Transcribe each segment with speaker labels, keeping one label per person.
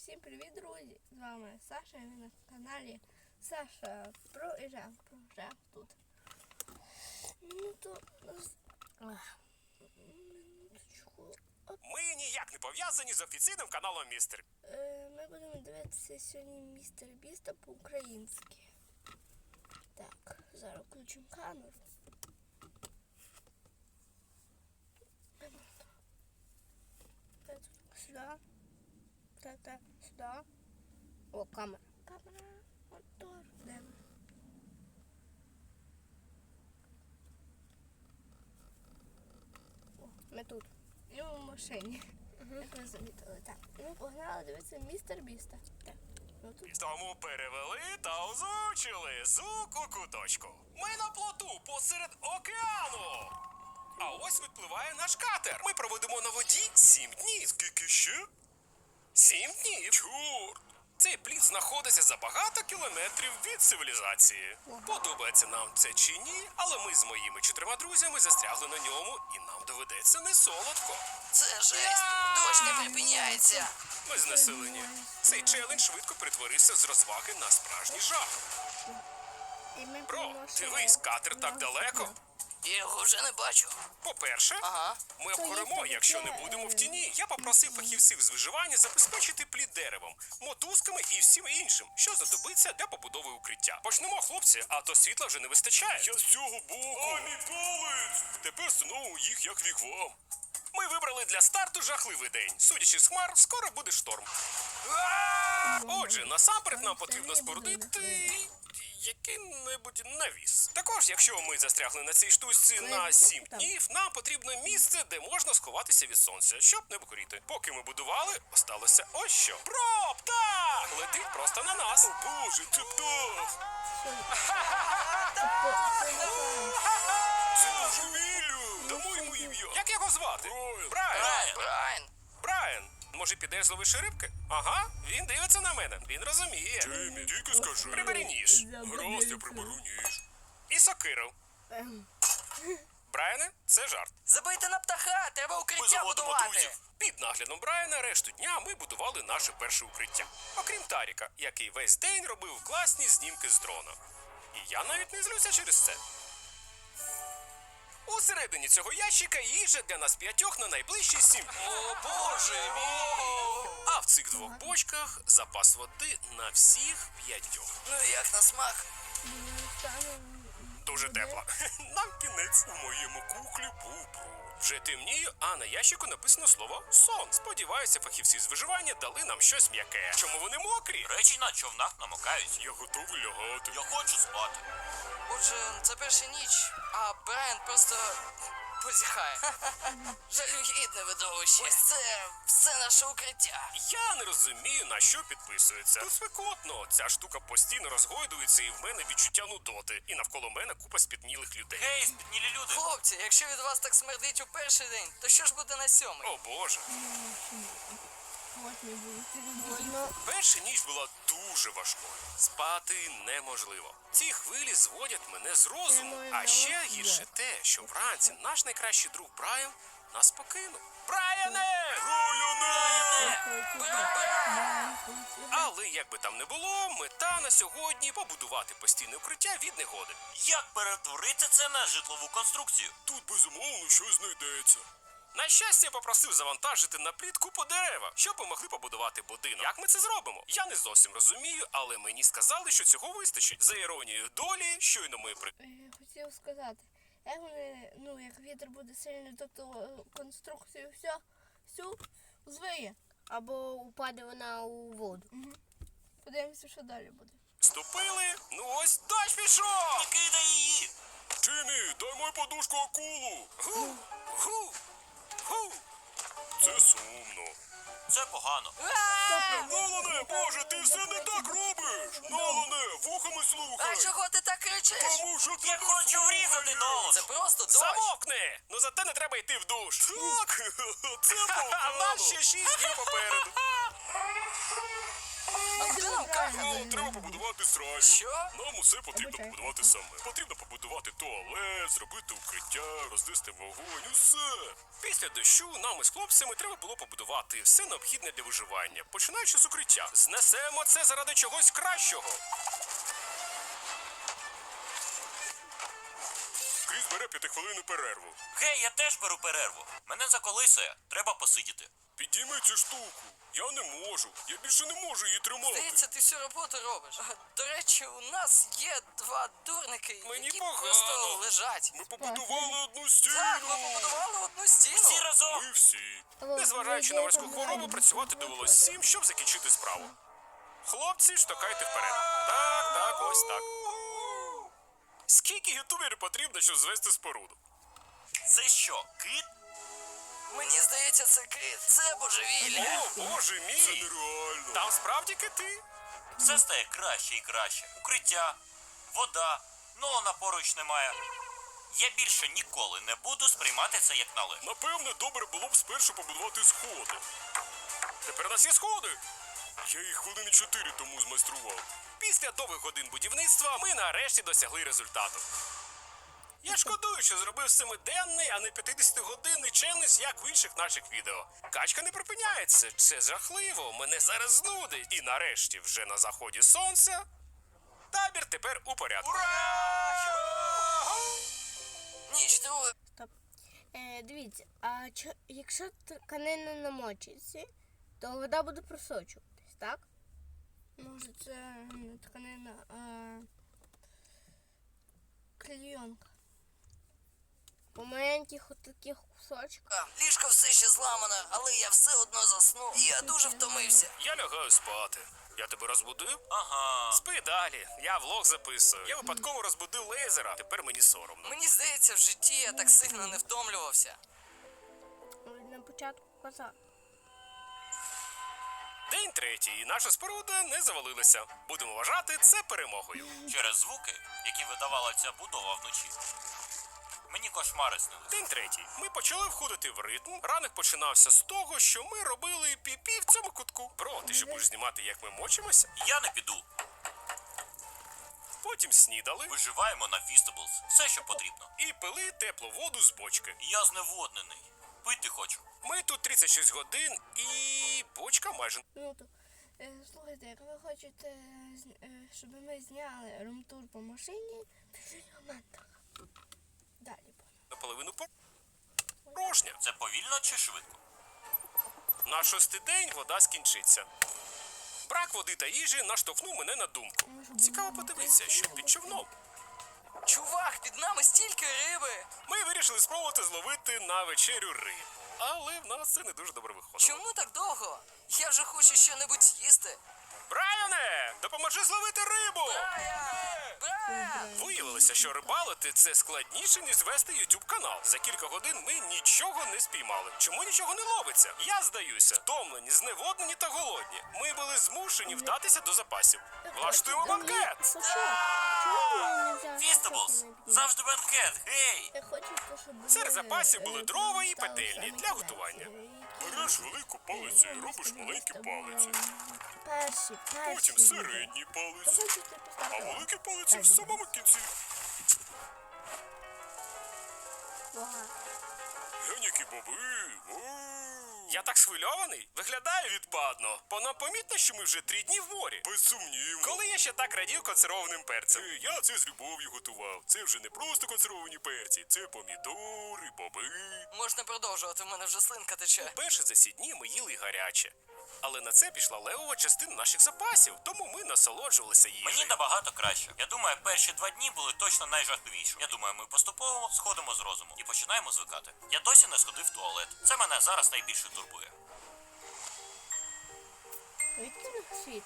Speaker 1: Всім привіт, друзі! З вами Саша, і ви на каналі Саша про Жах тут.
Speaker 2: Ми ніяк не пов'язані з офіційним каналом Містер.
Speaker 1: Ми будемо дивитися сьогодні Містер Біста по-українськи. Так, зараз включимо камеру. Сюди. Так, сюди. О, камера. Мотор. Де ми? О, ми тут. І в машині. Як ви замітили. Так, ми погнали дивитися Містер Біста. Так, ну тут.
Speaker 2: Тому перевели та озвучили звук у куточку. Ми на плоту посеред океану. А ось відпливає наш катер. Ми проведемо на воді 7 днів. Скільки ще? 7 днів. Чорт! Цей плід знаходиться за багато кілометрів від цивілізації. Подобається нам це чи ні, але ми з моїми 4 друзями застрягли на ньому і нам доведеться не солодко.
Speaker 3: Це жесть! Дощ не припиняється!
Speaker 2: Ми знесилені. Цей челендж швидко перетворився з розваги на справжній жах.
Speaker 1: І ми
Speaker 2: Бро,
Speaker 1: приносимо
Speaker 2: дивись, катер так
Speaker 1: на
Speaker 2: далеко.
Speaker 1: воду.
Speaker 3: Я його вже не бачу.
Speaker 2: По-перше,
Speaker 3: Ага.
Speaker 2: ми
Speaker 1: Це
Speaker 2: обгоремо,
Speaker 1: є
Speaker 2: якщо не
Speaker 1: таке,
Speaker 2: будемо в тіні. Я попросив фахівців з виживання забезпечити плід деревом, мотузками і всім іншим, що знадобиться для побудови укриття. Почнемо, хлопці, а то світла вже не вистачає. Я з цього боку. О, мій палець! Тепер знову їх як вігвам. Ми вибрали для старту жахливий день. Судячи з хмар, скоро буде шторм. Отже, насамперед нам потрібно спорудити який-небудь навіс. Також, якщо ми застрягли на цій штучці на 7 днів, нам потрібно місце, де можна сховатися від сонця, щоб не покоріти. Поки ми будували, осталося ось що. Бро, птах! Летить просто на нас. О боже, це птах! Це божевілля! Дамо йому ім'я. Як його звати? Брайан. Брайан, може підеш зловиш рибки? Ага, він дивиться на мене, він розуміє. Джеймі, тільки скажи. Прибери ніж. Гаразд, я приберу ніж. І сокиру. Брайане, це жарт.
Speaker 3: Забийте на птаха, треба укриття будувати.
Speaker 2: Під наглядом Брайана решту дня ми будували наше перше укриття. Окрім Таріка, який весь день робив класні знімки з дрона. І я навіть не злюся через це. Усередині цього ящика їжа для нас 5 на найближчі 7 днів. О, боже мій! А в цих 2 бочках запас води на всіх 5.
Speaker 3: Ну і як на смак?
Speaker 2: Дуже тепло. Нам кінець. У моєму кухлі був бруд. Вже темніє, а на ящику написано слово «сон». Сподіваюся, фахівці з виживання дали нам щось м'яке. Чому вони мокрі?
Speaker 4: Речі на човнах намокають.
Speaker 2: Я готовий лягати.
Speaker 4: Я хочу спати.
Speaker 3: Отже, це перша ніч, а Брайан просто позіхає. Жалюгідне видовище. Ось це все наше укриття.
Speaker 2: Я не розумію, на що підписується. Тут спекотно. Ця штука постійно розгойдується, і в мене відчуття нудоти. І навколо мене купа спітнілих людей.
Speaker 4: Гей, спітнілі люди.
Speaker 3: Хлопці, якщо від вас так смердить у перший день, то що ж буде на 7-й?
Speaker 2: О боже.
Speaker 1: От не буде.
Speaker 2: Перша ніч була дуже важкою. Спати неможливо. Ці хвилі зводять мене з розуму. А ще гірше те, що вранці наш найкращий друг Брайан нас покинув. Брайане! Але як би там не було, мета на сьогодні побудувати постійне укриття від негоди.
Speaker 4: Як перетворити це на житлову конструкцію?
Speaker 2: Тут безумовно щось знайдеться. На щастя, я попросив завантажити на плід купу дерева, щоб ми могли побудувати будинок. Як ми це зробимо? Я не зовсім розумію, але мені сказали, що цього вистачить. За іронією долі, щойно ми
Speaker 1: Хотів сказати, як вони, як вітер буде сильний, тобто конструкцію всю звиє.
Speaker 5: Або упаде вона у воду.
Speaker 1: Подивимося, що далі буде.
Speaker 2: ступили. Ну ось дощ пішов!
Speaker 4: Не кидай її!
Speaker 2: Джиммі, дай мою подушку акулу. Гу. Це сумно.
Speaker 4: Це погано.
Speaker 2: Нолане, боже, ти все не так робиш! Нолане, вухами слухай!
Speaker 3: А чого ти так кричиш?
Speaker 2: Тому що ти
Speaker 4: Я
Speaker 2: не
Speaker 4: хочу
Speaker 2: слухаєш.
Speaker 4: врізати Нолана.
Speaker 3: Це просто дощ.
Speaker 2: Замовкни! Ну зате не треба йти в душ. Так, це погано. А в нас ще 6 днів попереду.
Speaker 3: А куди нам какати?
Speaker 2: Нам треба побудувати сральню.
Speaker 3: Що?
Speaker 2: Нам усе потрібно
Speaker 1: Обичай.
Speaker 2: побудувати саме. Потрібно побудувати туалет, зробити укриття, рознести вогонь, усе. Після дощу нам із хлопцями треба було побудувати все необхідне для виживання, починаючи з укриття. Знесемо це заради чогось кращого. Кріс бере 5-хвилинну перерву.
Speaker 4: Гей, я теж беру перерву. Мене заколисує. Треба посидіти.
Speaker 2: Підійми цю штуку. Я не можу. Я більше не можу її тримати.
Speaker 3: Здається, ти всю роботу робиш. До речі, у нас є два дурники,
Speaker 2: Мені
Speaker 3: які
Speaker 2: погано.
Speaker 3: просто лежать.
Speaker 2: Ми побудували одну стіну.
Speaker 3: Так, ми побудували одну стіну.
Speaker 4: Всі разом.
Speaker 2: Ми всі. Незважаючи на морську хворобу, працювати довелось всім, щоб закінчити справу. Хлопці, штовхайте вперед. Так, так, ось так. Скільки ютуберів потрібно, щоб звести споруду?
Speaker 4: Це що, кит?
Speaker 3: Мені здається, це кит. Це божевілля.
Speaker 2: О, боже мій! Це нереально. Там справді кити?
Speaker 4: Все стає краще і краще. Укриття, вода, Нолана поруч немає. Я більше ніколи не буду сприймати це як належне.
Speaker 2: Напевне, добре було б спершу побудувати сходи. Тепер у нас є сходи. Я їх хвилини 4 тому змайстрував. Після довгих годин будівництва ми нарешті досягли результату. Я шкодую, що зробив 7-денний, а не 50-годинний челендж, як в інших наших відео. Качка не припиняється, це жахливо, мене зараз знудить. І нарешті, вже на заході сонця, табір тепер у порядку.
Speaker 3: Ніч друга.
Speaker 5: Стоп. Дивіться, а якщо тканина намочиться, то вода буде просочуватись, так?
Speaker 1: Може, це не тканина, а клейонка.
Speaker 5: По маленьких отаких кусочках.
Speaker 3: Ліжко все ще зламане, але я все одно заснув. І я дуже втомився.
Speaker 2: Я лягаю спати. Я тебе розбудив?
Speaker 4: Ага.
Speaker 2: Спи далі. Я влог записую. Я випадково розбудив лейзера. Тепер мені соромно.
Speaker 3: Мені здається, в житті я так сильно не втомлювався.
Speaker 5: На початку казав.
Speaker 2: День третій, і наша споруда не завалилася. Будемо вважати це перемогою.
Speaker 4: Через звуки, які видавала ця будова вночі. Мені кошмари снились.
Speaker 2: День третій. Ми почали входити в ритм. Ранок починався з того, що ми робили пі-пі в цьому кутку. Бро, ти що будеш знімати, як ми мочимося?
Speaker 4: Я не піду.
Speaker 2: Потім снідали
Speaker 4: Виживаємо на Фістаблс. Все, що потрібно.
Speaker 2: і пили теплу воду з бочки.
Speaker 4: Я зневоднений. Пити хочу.
Speaker 2: Ми тут 36 годин і бочка майже.
Speaker 1: Ну то, слухайте, як ви хочете, щоб ми зняли румтур по машині, пишіть в коментах. Далі буде.
Speaker 2: Наполовину порожня.
Speaker 4: Це повільно чи швидко?
Speaker 2: На 6-й день вода скінчиться. Брак води та їжі наштовхнув мене на думку. Цікаво подивитися, що під човном.
Speaker 3: Чувак, під нами стільки риби.
Speaker 2: Ми вирішили спробувати зловити на вечерю рибу. Але в нас це не дуже добре виходило.
Speaker 3: Чому так довго? Я вже хочу щось з'їсти.
Speaker 2: Брайане, допоможи зловити рибу!
Speaker 3: Брайан!
Speaker 2: Виявилося, що рибалити це складніше, ніж вести YouTube канал. За кілька годин ми нічого не спіймали. Чому нічого не ловиться? Я здаюся, втомлені, зневоднені та голодні. Ми були змушені вдатися до запасів. Влаштуємо банкет!
Speaker 5: Що? Чому ви не взяли?
Speaker 4: Фістаблс! Завжди бенкет, гей!
Speaker 1: Я хочу, щоб
Speaker 2: Серед
Speaker 1: ви,
Speaker 2: запасів були дрова і
Speaker 1: стали
Speaker 2: петельні
Speaker 1: самі
Speaker 2: для готування.
Speaker 1: перші.
Speaker 2: Береш велику палицю і робиш маленькі палиці.
Speaker 1: Перші.
Speaker 2: Потім середні палиці.
Speaker 1: Хочете
Speaker 2: А
Speaker 1: поставити?
Speaker 2: великі палиці в самому кінці.
Speaker 1: Ага.
Speaker 2: Глянь, які боби. Я так схвильований? Виглядає відпадно. Бо нам помітно, що ми вже 3 дні в морі. Безсумнівно. Коли я ще так радів консервованим перцем. Я це з любов'ю готував. Це вже не просто консервовані перці. Це помідори, боби.
Speaker 3: Можна продовжувати, в мене вже слинка тече.
Speaker 2: Перше за ці дні ми їли гаряче. Але на це пішла левова частина наших запасів, тому ми насолоджувалися їжею.
Speaker 4: Мені набагато краще. Я думаю, перші 2 дні були точно найжахливіші. Я думаю, ми поступово сходимо з розуму і починаємо звикати. Я досі не сходив в туалет. Це мене зараз найбільше турбує.
Speaker 5: Відкрив світ.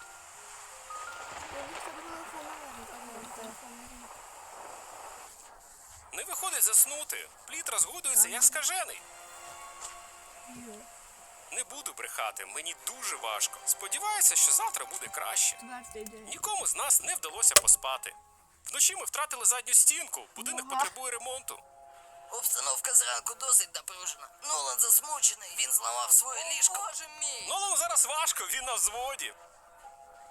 Speaker 2: Не виходить заснути. Плід розгодується як скажений. Не буду брехати, мені дуже важко. Сподіваюся, що завтра буде краще.
Speaker 1: 4-й день.
Speaker 2: Нікому з нас не вдалося поспати. Вночі ми втратили задню стінку, будинок потребує ремонту.
Speaker 3: Обстановка зранку досить напружена. Нолан засмучений, він зламав своє ліжко. Боже мій!
Speaker 2: Нолану зараз важко, він на взводі.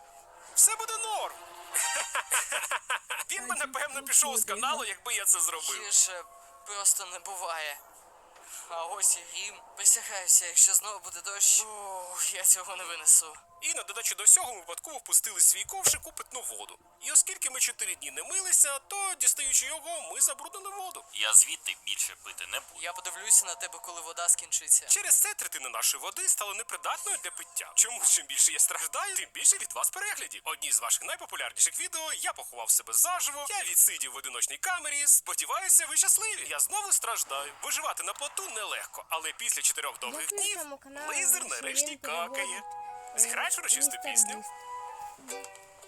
Speaker 2: Все буде норм. Він би, напевно, пішов з каналу, якби я це зробив.
Speaker 3: Гірше просто не буває. А ось і грім. Присягаюся, якщо знову буде дощ, я цього не винесу.
Speaker 2: І на додачу до всього ми випадково впустили свій ковшик у питну воду. І оскільки ми 4 дні не милися, то, дістаючи його, ми забруднили воду.
Speaker 4: Я звідти більше пити не буду.
Speaker 3: Я подивлюся на тебе, коли вода скінчиться.
Speaker 2: Через це третина нашої води стала непридатною для пиття. Чому чим більше я страждаю, тим більше від вас переглядів. Одні з ваших найпопулярніших відео я поховав себе заживо, я відсидів в одиночній камері. Сподіваюся, ви щасливі. Я знову страждаю. Виживати на плоту нелегко, але після 4 довгих
Speaker 5: Як на
Speaker 2: днів
Speaker 5: цьому каналі
Speaker 2: лизер
Speaker 5: ще
Speaker 2: нарешті
Speaker 5: він
Speaker 2: какає.
Speaker 5: переводить,
Speaker 2: Зіграєш урочисту
Speaker 5: містер
Speaker 2: пісню?
Speaker 5: Біст.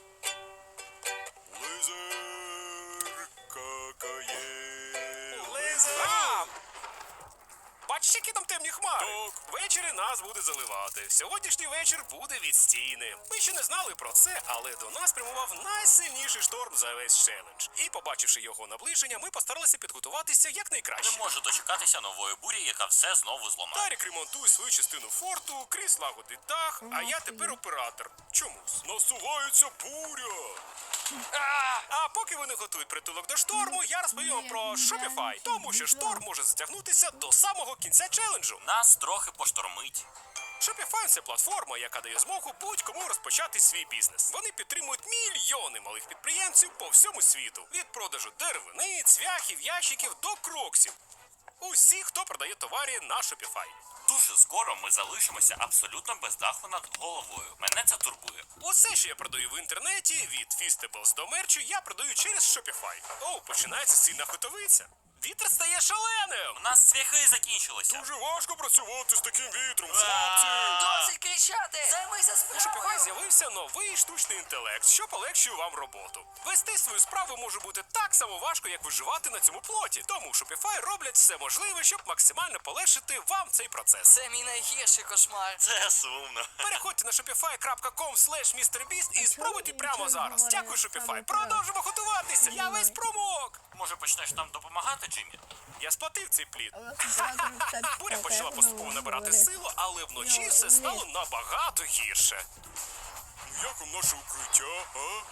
Speaker 2: Лизер какає. Лизер! Бачиш, які там темні хмари? Так. Ввечері нас буде заливати. Сьогоднішній вечір буде відстійний. Ми ще не знали про це, але до нас прямував найсильніший шторм за весь челендж. І, побачивши його наближення, ми постаралися підготуватися якнайкраще.
Speaker 4: Не можу дочекатися нової бурі, яка все знову зламає.
Speaker 2: Тарік ремонтує свою частину форту, Кріс лагодить дах, а я тепер оператор. Чомусь. Насувається буря. А поки вони готують притулок до шторму, я розповім вам про Shopify, тому що шторм може затягнутися до самого кінця челенджу.
Speaker 4: Нас трохи поштормить.
Speaker 2: Shopify – це платформа, яка дає змогу будь-кому розпочати свій бізнес. Вони підтримують мільйони малих підприємців по всьому світу. Від продажу деревини, цвяхів, ящиків до кроксів. Усі, хто продає товари на Shopify.
Speaker 4: Дуже скоро ми залишимося абсолютно без даху над головою. Мене це турбує.
Speaker 2: Усе, що я продаю в інтернеті, від Feastables до мерчу, я продаю через Shopify. О, починається сильна хотовиця. Вітер стає шаленим!
Speaker 4: У нас цвяхи закінчилися.
Speaker 2: Дуже важко працювати з таким вітром,
Speaker 3: Досить кричати! Займися
Speaker 2: У Shopify
Speaker 3: справою!
Speaker 2: з'явився новий штучний інтелект, що полегшує вам роботу. Вести свою справу може бути так само важко, як виживати на цьому плоті. Тому Shopify роблять все можливе, щоб максимально полегшити вам цей процес.
Speaker 3: Це мій найгірший кошмар.
Speaker 4: Це сумно.
Speaker 2: Переходьте на shopify.com/MrBeast і спробуйте
Speaker 5: чому
Speaker 2: прямо
Speaker 5: нічого не
Speaker 2: зараз.
Speaker 5: говорить
Speaker 2: Дякую, Shopify.
Speaker 5: саме
Speaker 2: Продовжимо готуватися. Я весь промок.
Speaker 4: Може почнеш нам допомагати, Джиммі?
Speaker 2: Я сплатив цей плід.
Speaker 1: А у нас оператор кстати,
Speaker 2: Буря почала
Speaker 1: так,
Speaker 2: поступово
Speaker 1: ну,
Speaker 2: набирати
Speaker 1: говорить.
Speaker 2: силу, але вночі
Speaker 1: Ну,
Speaker 2: все
Speaker 1: ні.
Speaker 2: стало набагато гірше. Ну як вам наше укриття, а?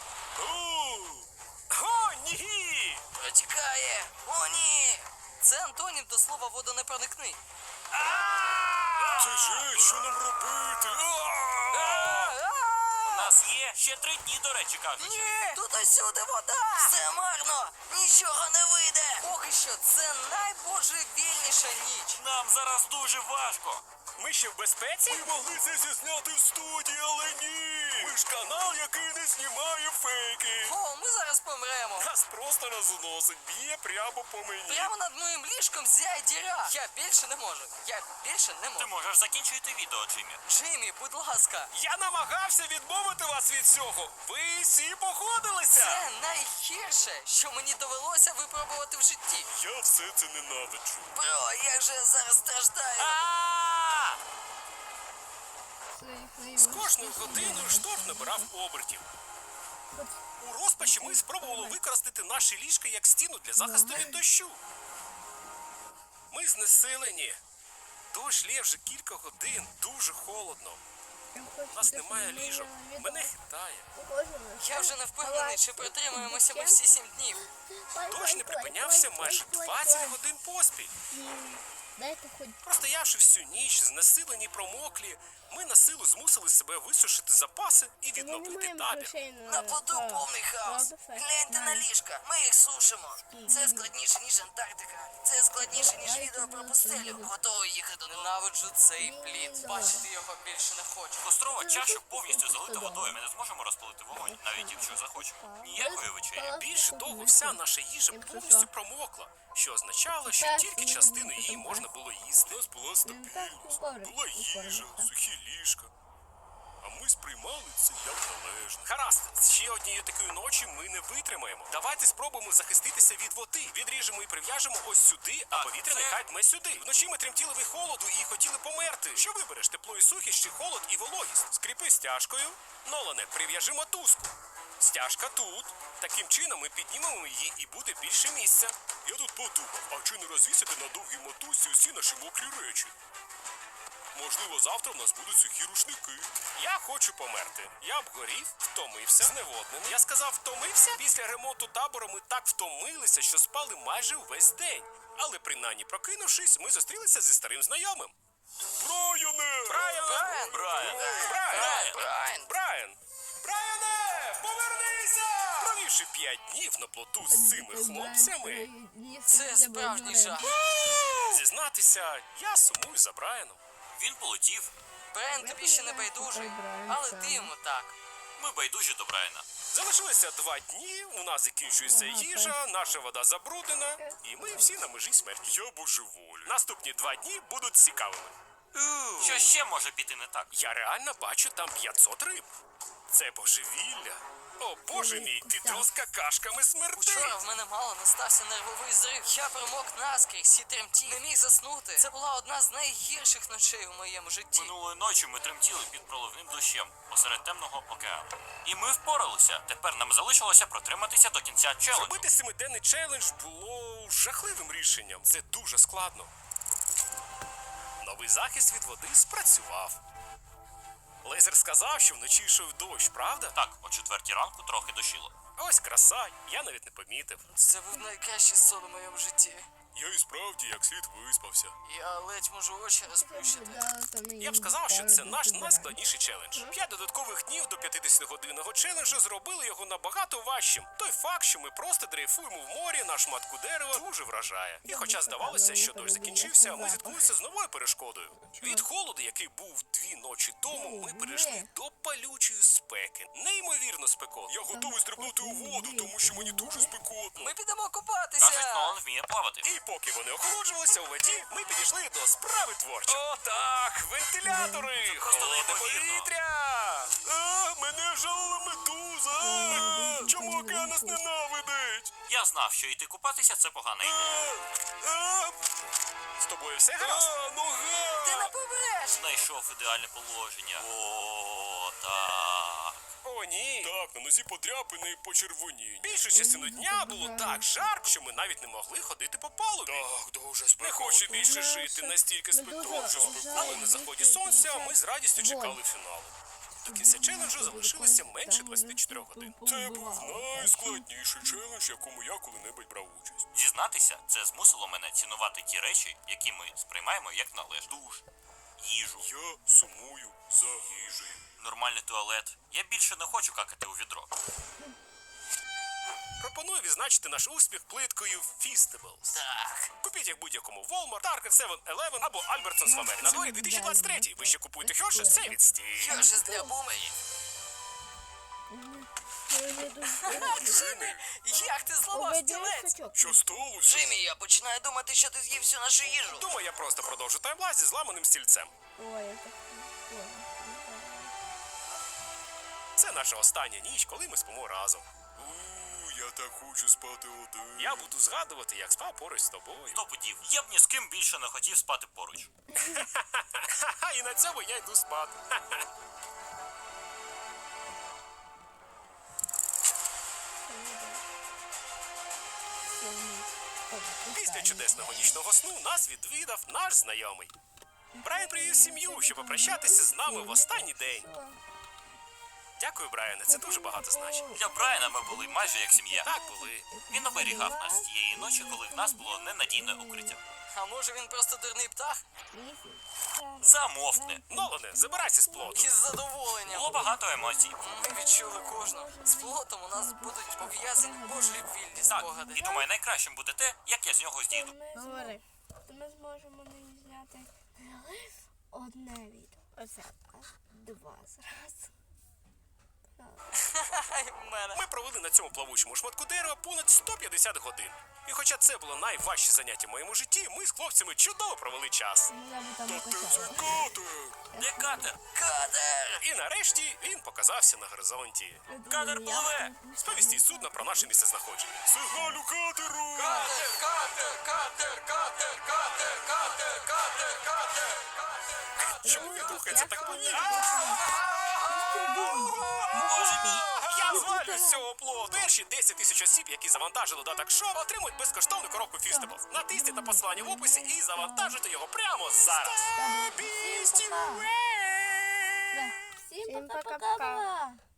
Speaker 2: О, ні!
Speaker 3: Протікає! О, ні! Це антонім до слова водонепроникний.
Speaker 2: Це же, що нам робити?
Speaker 4: У нас є ще 3 дні, до речі, кажуть.
Speaker 3: Ні! Тут усюди вода! Все марно! Нічого не вийде! Поки що це найбожевільніша ніч!
Speaker 4: Нам зараз дуже важко.
Speaker 2: Ми ще в безпеці? Ми могли це все зняти в студії, але ні! Ми ж канал, який не знімає фейки.
Speaker 3: О, ми зараз помремо!
Speaker 2: Нас просто розносить, б'є прямо по мені.
Speaker 3: Прямо над моїм ліжком зяє діра! Я більше не можу! Я більше не
Speaker 4: Ти
Speaker 3: можу!
Speaker 4: можеш закінчити відео, Джиммі.
Speaker 3: Джиммі, будь ласка!
Speaker 2: Я намагався відмовити вас від цього. Ви всі погодилися.
Speaker 3: Це найгірше, що мені довелося випробувати в житті!
Speaker 2: Я все це ненавиджу.
Speaker 3: Бро, як же я зараз страждаю!
Speaker 2: З кожною годиною шторм набирав обертів. У розпачі ми спробували використати наші ліжка як стіну для захисту від дощу. Ми знесилені. Дощ лє вже кілька годин, дуже холодно. У нас немає ліжок. Мене хитає.
Speaker 3: Я вже не впевнений, чи протримаємося ми всі 7 днів.
Speaker 2: Дощ не припинявся майже 20 годин поспіль.
Speaker 5: Дайте хоч
Speaker 2: Простоявши всю ніч, знесилені й промоклі, ми на силу змусили себе висушити запаси і відновити табір.
Speaker 3: На плоту повний хаос. Гляньте на ліжка, ми їх сушимо. Це складніше, ніж Антарктика. Це складніше, ніж відео про пустелю. Готовий їхати. Ненавиджу цей плід. Бачити його більше не хочу.
Speaker 4: Кострова чаша повністю залита водою. Ми не зможемо розпалити вогонь, навіть якщо захочемо. Ніякої вечері.
Speaker 2: Більше того, вся наша їжа повністю промокла, що означало, що тільки частину її можна було їсти. У нас була стабільність, була їжа, сухі ліжка. А ми сприймали це як належне. Гаразд, ще однієї такої ночі ми не витримаємо. Давайте спробуємо захиститися від води. Відріжемо і прив'яжемо ось сюди, а повітря нехай дме сюди. Вночі ми тремтіли від холоду і хотіли померти. Що вибереш, тепло і сухість чи холод і вологість? Скріпи стяжкою. Нолане, прив'яжи мотузку. Стяжка тут. Таким чином ми піднімемо її і буде більше місця. Я тут подумав, а чи не розвісити на довгій мотузці усі наші мокрі речі? Можливо, завтра в нас будуть сухі рушники. Я хочу померти. Я обгорів, втомився, зневоднений. Я сказав, втомився? Після ремонту табору ми так втомилися, що спали майже увесь день. Але принаймні прокинувшись, ми зустрілися зі старим знайомим. Брайане!
Speaker 3: Брайан!
Speaker 2: Брайан!
Speaker 3: Брайан!
Speaker 2: Брайан! Брайане! Повернися! Провівши 5 днів на плоту з цими хлопцями,
Speaker 3: Це справжній жах.
Speaker 2: зізнатися, я сумую за Брайаном.
Speaker 4: Він полетів.
Speaker 3: Брайан тобі ще не байдужий, але ти йому так.
Speaker 4: Ми байдужі до Брайана.
Speaker 2: Залишилося 2 дні, у нас закінчується їжа, наша вода забруднена, і ми всі на межі смерті. Я божеволю. Наступні 2 дні будуть цікавими.
Speaker 4: Що ще може піти не так?
Speaker 2: Я реально бачу там 500 риб. Це божевілля. О, боже мій, ти трос какашками смерти.
Speaker 3: Вчора в мене мало не стався нервовий зрив. Я промок наскрізь і тремтів. Не міг заснути. Це була одна з найгірших ночей у моєму житті.
Speaker 4: Минулої ночі ми тремтіли під проливним дощем посеред темного океану. І ми впоралися. Тепер нам залишилося протриматися до кінця челенджу.
Speaker 2: Зробити 7-денний челендж було жахливим рішенням. Це дуже складно. Новий захист від води спрацював. Лейзер сказав, що вночі йшов дощ, правда?
Speaker 4: Так, о 4 ранку трохи дощило.
Speaker 2: Ось краса, я навіть не помітив.
Speaker 3: Це був найкращий сон у моєму житті.
Speaker 2: Я і справді як слід виспався.
Speaker 3: Я ледь можу очі розплющити.
Speaker 2: Я б сказав, що це наш найскладніший челендж. 5 додаткових днів до 50-годинного челенджу зробили його набагато важчим. Той факт, що ми просто дрейфуємо в морі на шматку дерева, дуже вражає. І хоча здавалося, що дощ закінчився, ми зіткнулися з новою перешкодою. Від холоду, який був 2 ночі тому, ми перейшли до палючої спеки. Неймовірно спекотно. Я готовий стрибнути у воду, тому що мені дуже спекотно.
Speaker 3: Ми підемо
Speaker 4: Кажуть,
Speaker 3: купатися.
Speaker 4: Нолан вміє плавати.
Speaker 2: І поки вони охолоджувалися у воді, ми підійшли до справи творчо. О, так, вентилятори,
Speaker 4: просто
Speaker 2: холодне
Speaker 4: неймовірно.
Speaker 2: повітря. Мене жалила медуза. Чому океан нас ненавидить?
Speaker 4: Я знав, що йти купатися це погана ідея.
Speaker 2: З тобою все гаразд?
Speaker 3: Ти не побереш.
Speaker 4: Знайшов ідеальне положення. О, так.
Speaker 2: О, ні. Так, на нозі подряпини і почервоні. Більшу частину дня було так жарко, що ми навіть не могли ходити по палубі. Так, дуже спекотно. Не хочу більше жити настільки спекотно. Але на заході сонця ми з радістю чекали фіналу. До кінця челенджу залишилося менше 24 годин. Це був найскладніший челендж, в якому я коли-небудь брав участь.
Speaker 4: Дізнатися, це змусило мене цінувати ті речі, які ми сприймаємо як належне. Душ, їжу,
Speaker 2: Я сумую за їжею.
Speaker 4: нормальний туалет. Я більше не хочу какати у відро.
Speaker 2: Пропоную відзначити наш успіх плиткою Feastables.
Speaker 3: Так.
Speaker 2: Купіть їх в будь-якому Walmart, Target, 7-Eleven або Albertsons в Америці. На дворі 2023. Ви ще купуєте Хершес? Це відстій.
Speaker 3: Хершес для бумерів. Джиммі, як ти зламав стілець?
Speaker 2: Що сталося?
Speaker 3: Джиммі, я починаю думати, що ти з'їв всю нашу їжу.
Speaker 2: Думаю, я просто продовжу таймлайн зі зламаним стільцем.
Speaker 5: Ой, это прикольно.
Speaker 2: Це наша остання ніч, коли ми спимо разом. Я так хочу спати один. Я буду згадувати, як спав поруч з тобою.
Speaker 4: 100 пудів. Я б ні з ким більше не хотів спати поруч.
Speaker 2: Ха-ха, і на цьому я йду спати. Після чудесного нічного сну нас відвідав наш знайомий. Брайан привів сім'ю, щоб попрощатися з нами в останній день. Дякую, Брайане, це дуже багато значить.
Speaker 4: Для Брайана ми були майже як сім'я.
Speaker 2: Так були.
Speaker 4: Він оберігав нас тієї ночі, коли в нас було ненадійне укриття.
Speaker 3: А може він просто дурний птах?
Speaker 4: Замовкни.
Speaker 2: Нолане, забирайся з плоту.
Speaker 3: Із задоволенням.
Speaker 4: Було багато емоцій.
Speaker 3: Ми відчули кожну. З плотом у нас будуть пов'язані божевільні
Speaker 4: Так,
Speaker 3: спогади.
Speaker 4: і думаю, найкращим буде те, як я з нього зійду.
Speaker 5: Говори.
Speaker 1: То ми зможемо не зняти не лише одне відео,
Speaker 5: Оце.
Speaker 1: а 2 зразу.
Speaker 3: Ай, в мене.
Speaker 2: Ми провели на цьому плавучому шматку дерева понад 150 годин. І хоча це було найважче заняття в моєму житті, ми з хлопцями чудово провели час.
Speaker 1: Я би там покачала.
Speaker 2: катер!
Speaker 4: Де катер?
Speaker 3: Катер!
Speaker 2: І нарешті він показався на горизонті.
Speaker 4: Катер пливе!
Speaker 2: Сповістіть судна про наше місцезнаходження. Сигналю катеру!
Speaker 3: Катер, катер, катер, катер, катер, катер, катер, катер.
Speaker 2: Чому він рухається так повільно?
Speaker 4: Боже мій!
Speaker 2: Я Звалю з цього плоту. Перші 10 тисяч осіб, які завантажили додаток шоу, отримують безкоштовну коробку Фістеблс. Натисніть на посилання в описі і завантажуйте його прямо зараз.
Speaker 1: Всім пока.
Speaker 5: Всім пока-пока.